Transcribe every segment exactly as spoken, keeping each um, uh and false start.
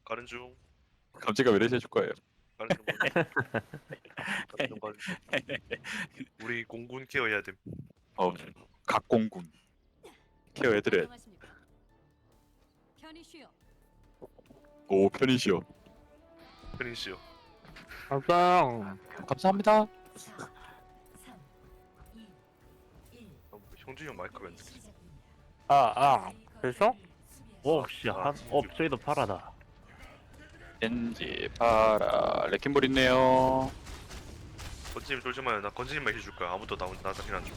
가는 중. 감지가 왜 이래 해줄 거예요. 가는 중. 가는 중. 가는 중. 우리 공군 케어해야 됨. 어, 각공군 케어해드려. 안녕하십니까. 편히 쉬어. 오, 편히시오. 페니시요. 감상. 감사합니다. 어, 형준이 형 마이크가 있네. 아, 아. 됐어? 오, 씨, 한, 어, 저기도 파라다. 겐지, 파라, 레킹볼 있네요. 건지님 쫄지 마요. 나 건지님만 해줄 거야. 아무도 나 나 자신 안 줘.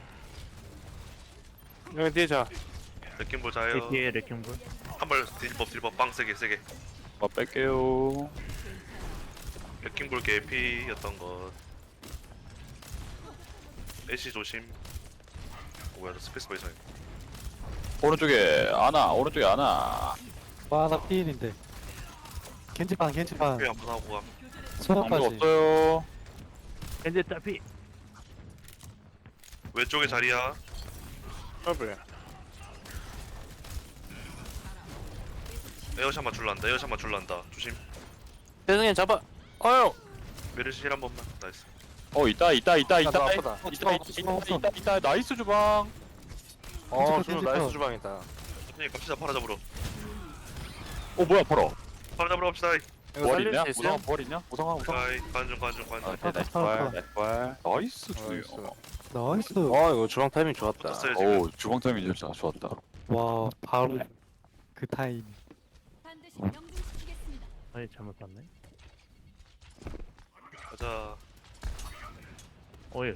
여기 뒤에 자. 느낌 제 보자요. 뒤에 레킹볼. 한발 딜법 딜법 빵 세게 세게. 뭐 뺄게요. 레킹볼 개피였던 것. 애쉬 조심. 뭐야 나 스페이스바 이상해. 오른쪽에 아나, 오른쪽에 아나. 와, 나 피일인데. 겐지판, 겐지판. 회 한번 하고 가. 방법 소나까지. 없어요. 현재 짜피. 왼쪽에 자리야. 더블. 에어샷 맞출란다. 에어샷 맞출란다. 조심. 대승이 잡아. 어휴. 메르시 힐 한 번만. 나이스. 어, 있다, 있다, 있다, 나 있다. 아프다. 있다, 있다, 있다, 있다, 있다. 나이스 주방. 어, 겐지판, 주 겐지판. 나이스 주방이다. 형님 갑시다. 팔아 잡으러. 어, 뭐야, 벌어. 팔아 잡으러 갑시다. 이거 뭘 살릴 있냐? 수 있어요? 우성아, 뭘 있냐? 우성아, 우성아. 가이 관중 관중 관중. 아, 네, 나이스 발, 나이스 발. 나이스 주요. 나이스. 어, 이거 주방 타이밍 좋았다. 붙었어요 지금. 오, 주방 타이밍 진짜 좋았다. 와, 바로 그 타임. 반드시 명중시키겠습니다. 아니, 잘못 봤네. 가자. 어이,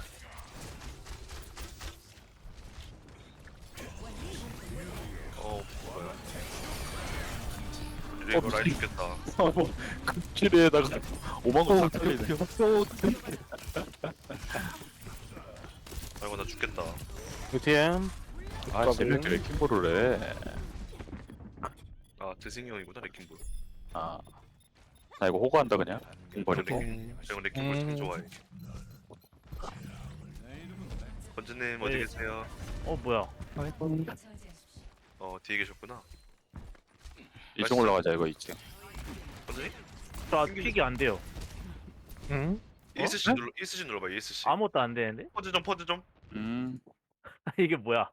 어 뭐야. 이거 라인 죽겠다. 급질에다가 오만 오, 원 살리네. 드디어. 오, 드디어. 아이고 나 죽겠다. 유티엠. 아, 재밌게 레킹볼을 해. 아 드승이 형이구나 레킹볼. 아, 나 이거 호구한다 그냥. 공버리. 레킹. 제가 레킹볼 참 음. 좋아해. 건주님 어디 네. 계세요? 어, 뭐야. 아이고. 어 뒤에 계셨구나. 이 층 올라가자 이거 이 층. 건주님? 저 픽이 안 돼요. 응? 이에스씨 눌러 이에스씨 눌러봐 이에스씨. 아무것도 안 되는데? 퍼즈 좀 퍼즈 좀. 음, 이게 뭐야.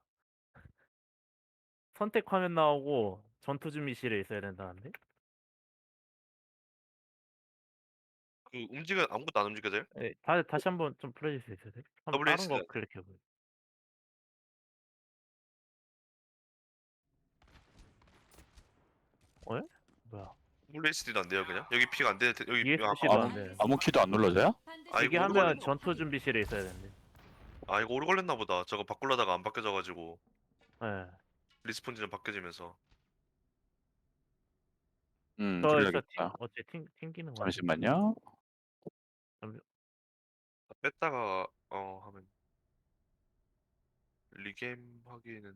선택 화면 나오고 전투 준비실에 있어야 된다는데? 그 움직여 아무것도 안 움직여져요? 네, 다, 다시 한번 좀 풀어줄 수 있어요? 한번 더블유 다른 에스. 거 클릭해보세요. 어? 뭐야. 블레이스디도 안 돼요 그냥? 여기 피가 안 돼. 여기 이에스씨도 아, 안 돼. 아무 키도 안 눌러져요? 반드시 아, 이게 이거 하면 오르골- 전투 준비실에 있어야 되는데. 아 이거 오래 걸렸나 보다. 저거 바꾸려다가 안 바뀌어져가지고 네. 리스폰 지점 바뀌어지면서. 음, 저 일단 튕, 그래야겠다. 어째 튕, 튕기는 거. 잠시만요. 뺐다가 어 하면 리겜 하기에는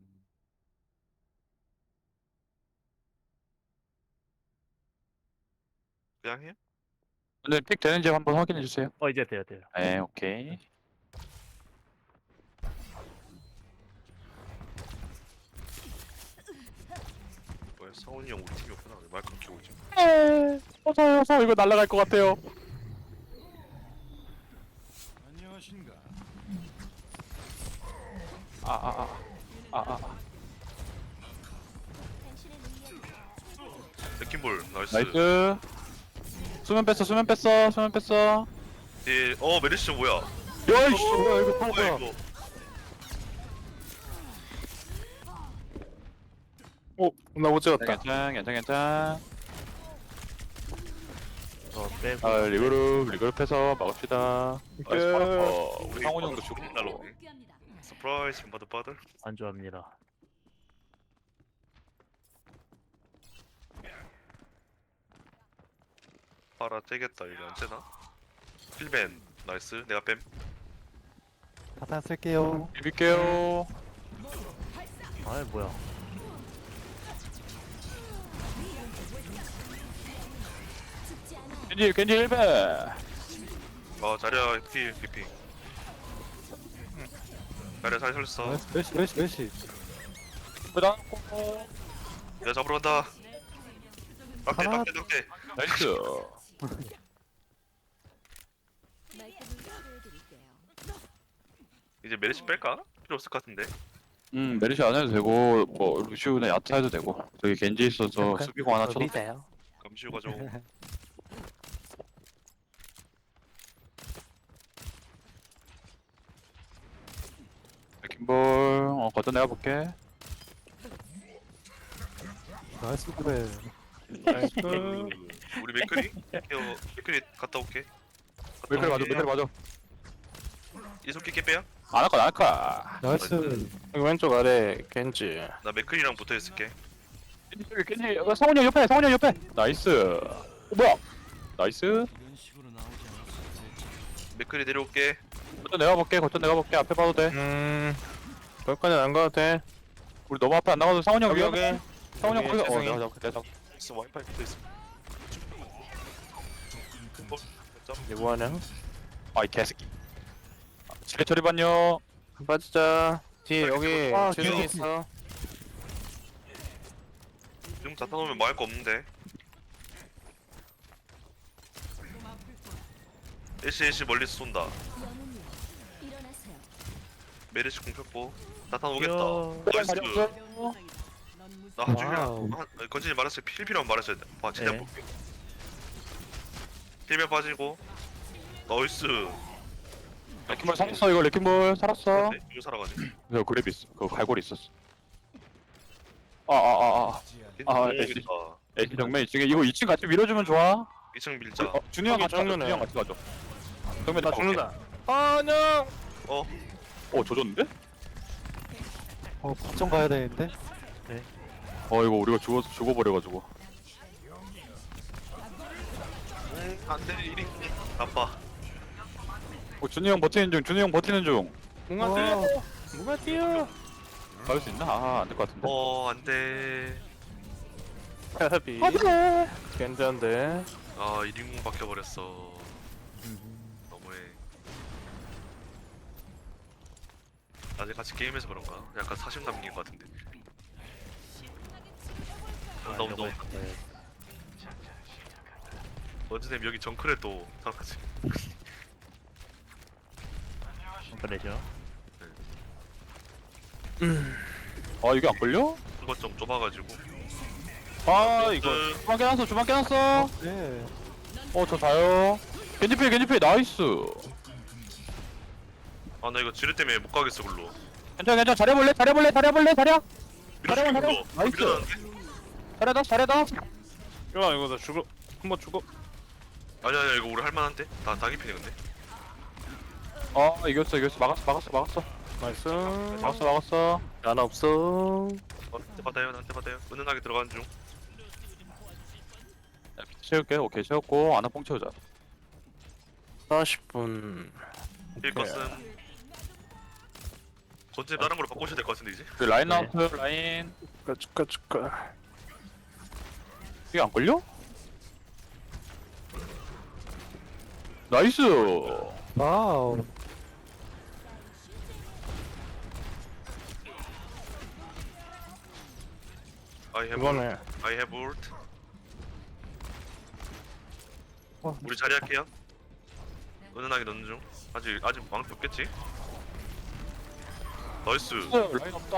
그냥 해요? 오늘 픽 되는지 한번 확인해 주세요. 어, 이제 돼요, 돼요. 네, 오케이. 뭐야 성훈이 형 우리 팀이었구나. 왜 마이크 켜고 있지? 네, 어서 어서 이거 날아갈 것 같아요. 아, 아, 아, 아, 아, 레킹볼 나이스. 나이스. 수면 뺐어, 수면 뺐어, 수면 뺐어. 예, 어 메리시 뭐야? 야이씨. 뭐야, 이거 팔 뭐야 거야. 이거? 오, 나 못 찍었다. 괜찮, 괜찮, 괜찮. 저 빼고. 아, 리그룹, 리그룹 해서 막읍시다. 나이스, 파라퍼. 우리 상훈 형도 죽고. 날로. 복귀합니다. 서프라이즈 바드 바드. 안 좋아합니다. 파라 째겠다 이거 안 째나? 필벤 나이스. 내가 뺨. 바탄 쓸게요. 비빌게요. 아이, 뭐야. 겐지, 겐지 일 배. 어 자리야 피 리핑. 자리야 잘 살렸어. 나이스, 몇시, 몇시, 몇시. 그다음 내가 잡으러 간다. 딱대 아. 딱대 딱대. 나이스. 이제 메르시 뺄까? 필요 없을 것 같은데. 음 메리시 안 해도 되고 뭐 루시우나 야타 해도 되고 저기 겐지 있어서 오케이. 수비공 하나 쳐도 돼. 믿어요. 감시우 가져. 킴볼 어 걷어 내가 볼게. 나이스 그래. 나이스. 우리 맥크리? 케어 맥크리 갔다 올게. 맥클 맞아 맥클 맞아. 이속기 깨 빼야? 안할 거야 안할 거야. 나이스. 여기 왼쪽 아래 겐지. 나 맥크리랑 붙어 있을게. 겐지 겐지 어, 성훈이 형 옆에 성훈이 형 옆에. 나이스. 어, 뭐야? 나이스. 맥크리 내려올게. 걷어 내가 볼게 걷어 내가 볼게 앞에 봐도 돼. 음. 거기까지는 안 가도 돼. 우리 너무 앞에 안 나가도 성훈이 형 여기 위험해. 여기. 성훈이 형 여기 거기 어 재승이. 내가 잡을게 내가 잡을게. 있어 와이파이 붙어 있어. 어, 점. 이거 뭐하냐? 아이 개새끼. 지뢰 처리 반요. 빠지자. 뒤에 여기 아, 재승이 뒤에. 있어. 지금 다 타놓으면 뭐 할 거 없는데. 일시 일시 멀리서 쏜다. 메르시 공 폈고 나타 오겠다. 나이스. 나 한중이랑 와우. 한- 건진이 말했을 때 필필하면 말했어야 돼. 봐, 최대한 네. 볼게. 필면 빠지고 나이스. 레킹볼 살았어 이거 레킹볼 살았어. 네, 이거 살아가지고. 그 그랩 있어. 그 갈고리 있었어. 아 아 아 아. 아, 모르겠다. 애기 정면 이층에 이거 이 층 같이 밀어주면 좋아. 이 층 밀자. 어, 준이 형 여기 같이 가죠. 정면에. 준이 형 같이 가죠. 정면 나 다 죽는다. 아냥. 어, 어 조졌는데? 어 걱정 가야 되는데. 어 이거 우리가 죽어 죽어버려가지고. 음, 안돼 이리 나빠. 어 준이 형 버티는 중. 준이 형 버티는 중. 뭔가 와. 뛰어. 뭔가 뛰어. 가을 수 있나? 아 안 될 것 같은데. 어, 안돼. 헤비. 괜찮은데. 아, 이링공 박혀 버렸어. 너무해. 아직 같이 게임해서 그런가? 약간 사심 담긴 것 같은데. 온다 온다 온다. 네. 어제님 여기 정크레 또 생각하지. 그래죠. 아 이게 안 걸려? 그것 좀 좁아가지고. 아 이거 그, 주방 깨놨어 주방 깨놨어. 네. 어저 자요. 겐지필 겐지필 나이스. 아, 나 이거 지뢰 때문에 못 가겠어 글로. 괜찮아 괜찮아 잘해볼래 잘해볼래 잘해볼래 잘해. 밀어줄게 잘해, 글로. 나이스. 밀어놨는데? 잘해다 잘해다. 야 이거 나 죽어. 한번 죽어. 아니야 아니야 이거 우리 할만한데? 다 다기피네 근데. 어 이겼어 이겼어 막았어 막았어 막았어 나이스. 막았어 막았어. 난 없어. 어, 나한테 받아요 나한테 받아요. 은은하게 들어가는 중. 야, 비트 채울게. 오케이 채웠고 아나 뽕 채우자. 사십 분. 힐컷은 전체 다른 걸로 바꾸셔야 될 것 같은데 이제. 그 라인 네. 나우트 라인. 축하 축하 축하. 이게 안 걸려? 나이스. 와우. I have 이번에 I have ult. 와, 우리 자리 할게요. 은은하게 넣는 중. 아직 아직 망치 없겠지? 나이스. 라인 없다.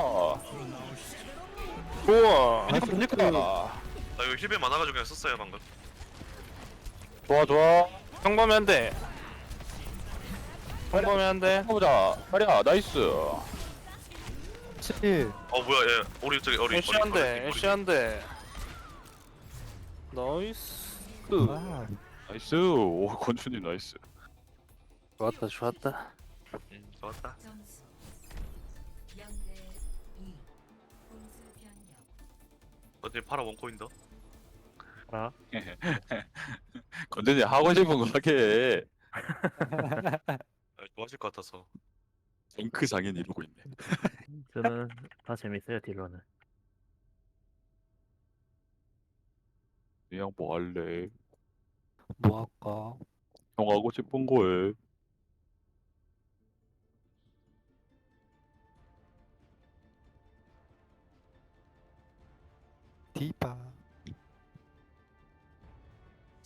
좋아. 나이스 니까 그- 나 이거 힐벨 많아가지고 그냥 썼어요 방금. 좋아 좋아. 평범해야 돼. 평범해야 돼. 해보자. 자리야 나이스. 칠. 어 뭐야 얘 우리 저기 어리 애쉬한데 애쉬한데. 나이스. 아, 나이스. 오 권춘님 나이스. 좋았다 좋았다. 음, 좋았다. 점수 영 대 이. 공수 변경. 어제 파라 원코인 더. 아, 건전이 하고 싶은 거 하게. 아, 좋아하실 것 같아서. 덩크 장인 이러고 있네. 저는 다 재밌어요 딜러는. 그냥 뭐 할래? 뭐 할까? 형 하고 싶은 거 해. 디바.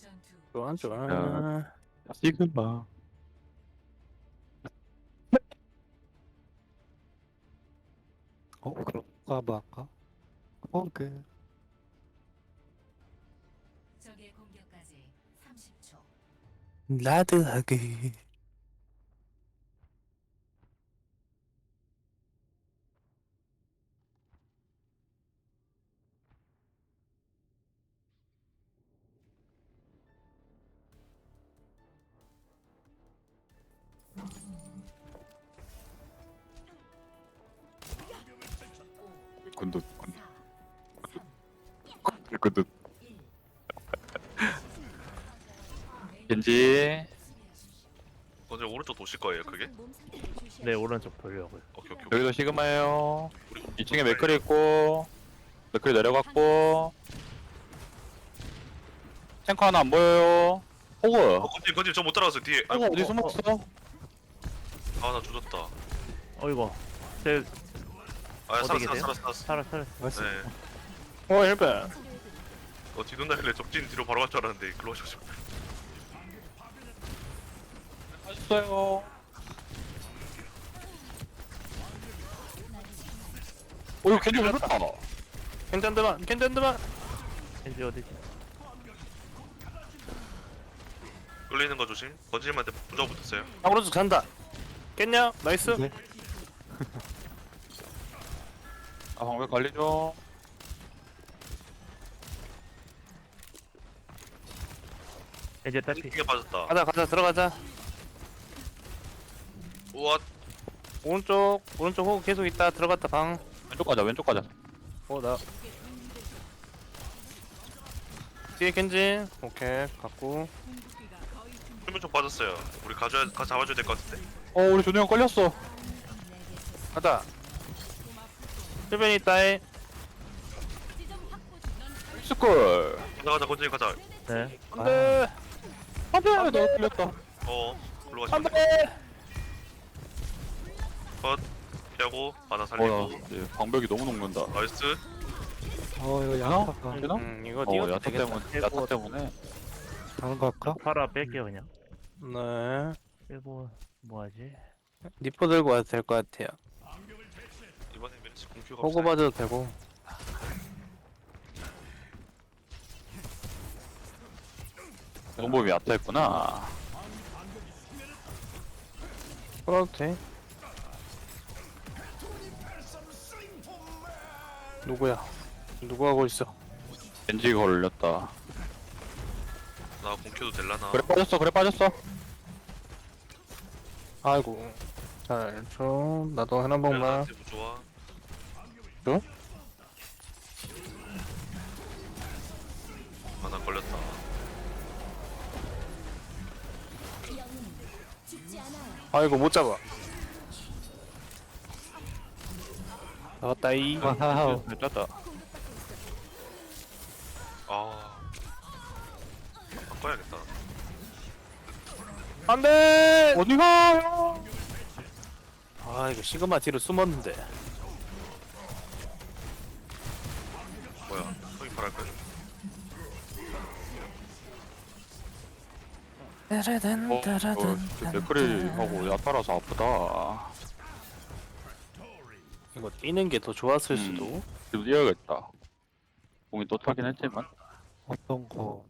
전투 좋아 좋아. 야. 시그마. 어, 그럴까 말까? 어그 적의 공격까지 삼십 초. 라드하게. 군두 군두 군두. 겐지. 언제 오른쪽 도실 거예요 그게? 네 오른쪽 돌려고요. 오케이 오케이. 여기도 시그마예요. 우리 이 층에 맥클이 있고 맥클이 내려갔고 탱커 하나 안 보여요. 호그. 어 건지 건지 저 못 따라갔어요 뒤에. 호그 어디 숨었어? 아나 죽었다. 어이구. 제 아 어디 살았어 계세요? 살았어 살았어. 살아 살아. 맛있어. 네. 어 헬벤. 어 뒤돈다길래 적진 뒤로 바로 갈 줄 알았는데 글로 가셔서. 맛있어요. 오 이거 겐지 잘했다. 괜찮더만 괜찮더만. 겐지 어디지? 끌리는 거 조심. 건지님한테 부자 붙었어요. 아 오른쪽 잔다. 깼냐? 나이스. 네. 아 방벽 관리 좀. 겐지 딸피. 띵게 빠졌다. 가자 가자 들어가자. 우와. 오른쪽 오른쪽 호구 계속 있다. 들어갔다 방. 왼쪽 가자 왼쪽 가자. 어 나. 뒤에 겐지. 오케이 갖고. 수면 쪽 빠졌어요. 우리 가져야 가 잡아줘야 될 것 같은데. 어 우리 조명 걸렸어. 가자. 헬벤이 있다해. 스쿨. 가자 가자 건지님 가자. 네. 안돼. 안돼 너 걸렸다. 어 글로 가시면 돼. 안돼. 컷. 피하고 하나 살리고. 어나 방벽이 너무 녹는다. 나이스. 어 이거 양아할까? 되나? 음 이거 어 뛰어도 야타 되겠다. 때문에 야타 때문에. 다른 거 할까? 팔아 뺄게요 그냥. 네. 빼고 뭐하지? 니퍼 들고 와도 될 것 같아요. 이번에 메르시 공큐가 호구 없어요. 봐도 되고. 공범이 야타했구나. 끌어도 돼. 누구야? 누구 하고 있어? 겐지 걸렸다. 나 공큐도 될라나. 그래 빠졌어 그래 빠졌어. 아이고. 잘 좀. 나도 하나 번만. 나한테 뭐 좋아. 어? 하나 걸렸다. 아이고 못 잡아. 나왔다 이. 와우. 짰다. 아. 바꿔야겠다. 안돼. 어디 가요? 아 이거 시그마 뒤로 숨었는데. 뭐야? 형이 바랄 거야. 따라단 어, 따라단. 어, 맥크리 하고 야타라서 아프다. 이거 뛰는 게 더 좋았을 음. 수도. 지금 뛰어야겠다. 공이 또 타긴 했지만. 어떤 거?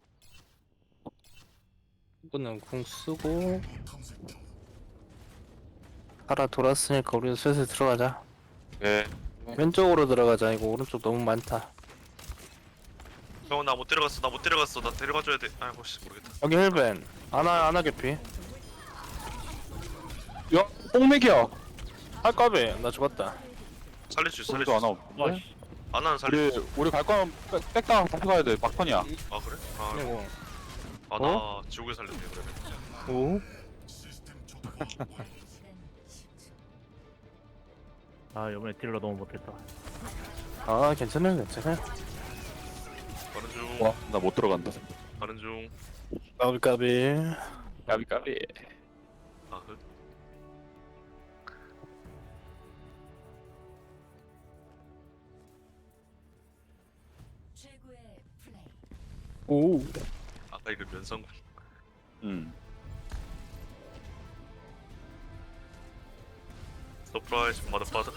이거는 궁 쓰고. 팔아 돌았으니까 우리도 슬슬 들어가자. 네. 왼쪽으로 들어가자. 이거 오른쪽 너무 많다. 형 나 못 데려갔어. 나 못 데려갔어. 나 데려가줘야 돼. 아이고 씨 모르겠다. 여기 헬벤. 아나 아나 개피. 야, 뽕맥이야. 아 까비. 나 죽었다. 살릴 수 있어. 살릴 우리도 수 하나 있어. 없는데? 와씨. 아나는 살릴 우리 수 있어. 우리 갈 거면 백- 백당 다시 가야 돼. 막판이야. 아 그래? 아, 그리고 아, 나 지옥에 살렸네 그러면. 오. 아 이번에 딜러 너무 못했다. 아 괜찮아요 괜찮아요. 가는 중. 와, 나 못 들어간다. 가는 중. 까비 까비. 까비 까비. 아 흑. 최고의 플레이. 오. 아까 아 이거 면상군. 음. 서프라이즈 마더파더.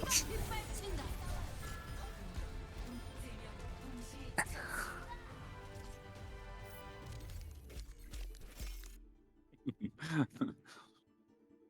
세명 동시